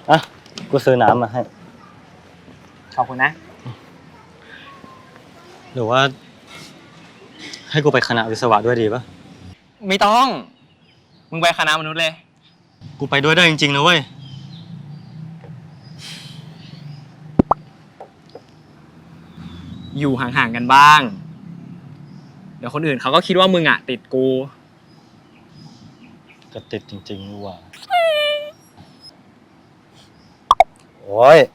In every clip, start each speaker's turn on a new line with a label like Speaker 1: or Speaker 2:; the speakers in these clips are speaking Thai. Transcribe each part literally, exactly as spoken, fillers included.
Speaker 1: อ่ะกูซื้อน้ำมาให้
Speaker 2: ขอบคุณนะ
Speaker 1: หรือว่าให้กูไปคณะวิศวะด้วยดีปะ
Speaker 2: ไม่ต้องมึงไปคณะมนุษย์เลย
Speaker 1: กูไปด้วยได้จริงๆนะเว้ย
Speaker 2: อยู่ห่างๆกันบ้างเดี๋ยวคนอื่นเขาก็คิดว่ามึงอ่ะติดกู
Speaker 1: จะติดจริงๆนี่หว่าโอ้ย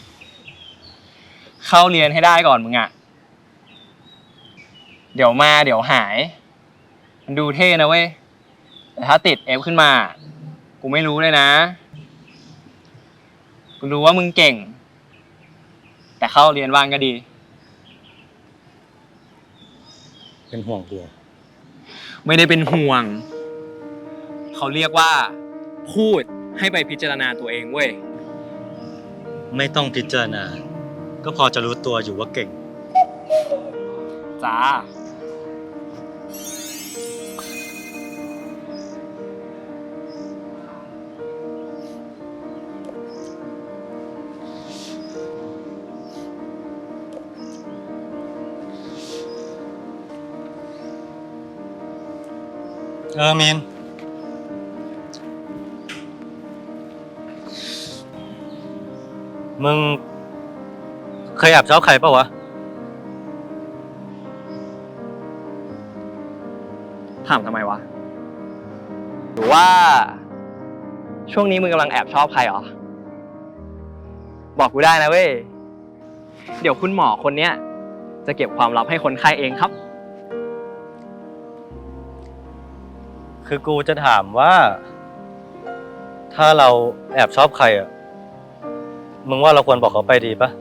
Speaker 2: เข้าเรียนให้ได้ก่อนมึงอ่ะเดี๋ยวมาเดี๋ยวหายมันดูเท่นะเว้ยแต่ถ้าติดเอฟขึ้นมากูไม่รู้เลยนะกูรู้ว่ามึงเก่งแต่เข้าเรียนว่างก็ดี
Speaker 1: เป็นห่วงกู
Speaker 2: ไม่ได้เป็นห่วงเขาเรียกว่าพูดให้ไปพิจารณาตัวเองเว้ย
Speaker 1: ไม่ต้องพิจารณาก็พอจะรู้ตัวอยู่ว่าเก่ง
Speaker 2: จ้า
Speaker 1: เออมีนมึงเคยแอบชอบใครเปล่าวะ
Speaker 2: ถามทำไมวะหรือว่าช่วงนี้มึงกำลังแอบชอบใครหรอบอกกูได้นะเว้ยเดี๋ยวคุณหมอคนเนี้ยจะเก็บความลับให้คนไข้เองครับ
Speaker 1: คือกูจะถามว่าถ้าเราแอบชอบใครอ่ะมึงว่าเราควรบอกเขาไปดีปะ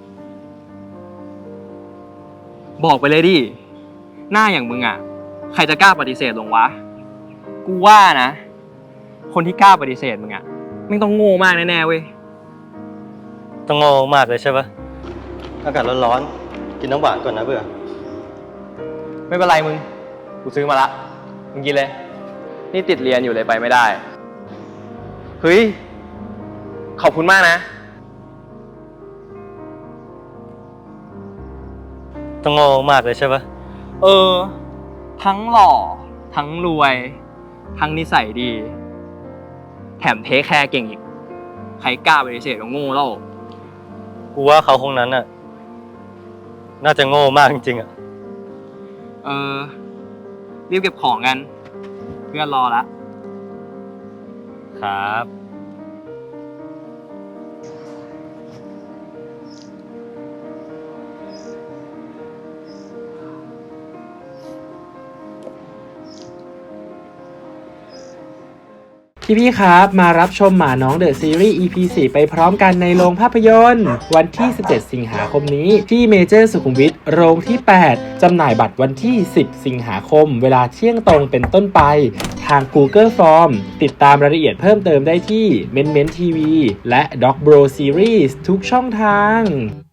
Speaker 2: บอกไปเลยดิหน้าอย่างมึงอ่ะใครจะกล้าปฏิเสธลงวะกูว่านะคนที่กล้าปฏิเสธมึงอ่ะไม่ต้องโง่มากแน่ๆเว้ย
Speaker 1: ต้องโง่มากเลยใช่ปะอากาศร้อนๆกินน้ำหวานก่อนนะเบื่อ
Speaker 2: ไม่เป็นไรมึงกูซื้อมาละมึงกินเลยนี่ติดเรียนอยู่เลยไปไม่ได้เฮ้ยขอบคุณมากนะ
Speaker 1: ต้องโง่มากเลยใช่ปะ
Speaker 2: เออทั้งหล่อทั้งรวยทั้งนิสัยดีแถมเทคแคร์เก่งอีกใครกล้าปฏิเสธก็โง่แล้ว
Speaker 1: กูว่าเขาคงนั้นน่ะน่าจะโง่มากจริงๆอ่ะ
Speaker 2: เออรีบเก็บของกันเพื่อนรอละ
Speaker 1: ครับ
Speaker 3: พี่ๆครับมารับชมหมาน้องเดอะซีรีส์ อี พี สี่ ไปพร้อมกันในโรงภาพยนตร์วันที่สิบเจ็ดสิงหาคมนี้ที่เมเจอร์สุขุมวิทโรงที่แปดจำหน่ายบัตรวันที่สิบสิงหาคมเวลาเที่ยงตรงเป็นต้นไปทาง Google Form ติดตามรายละเอียดเพิ่มเติมได้ที่ เม้นเม้น ที วี และ Dog Bro Series ทุกช่องทาง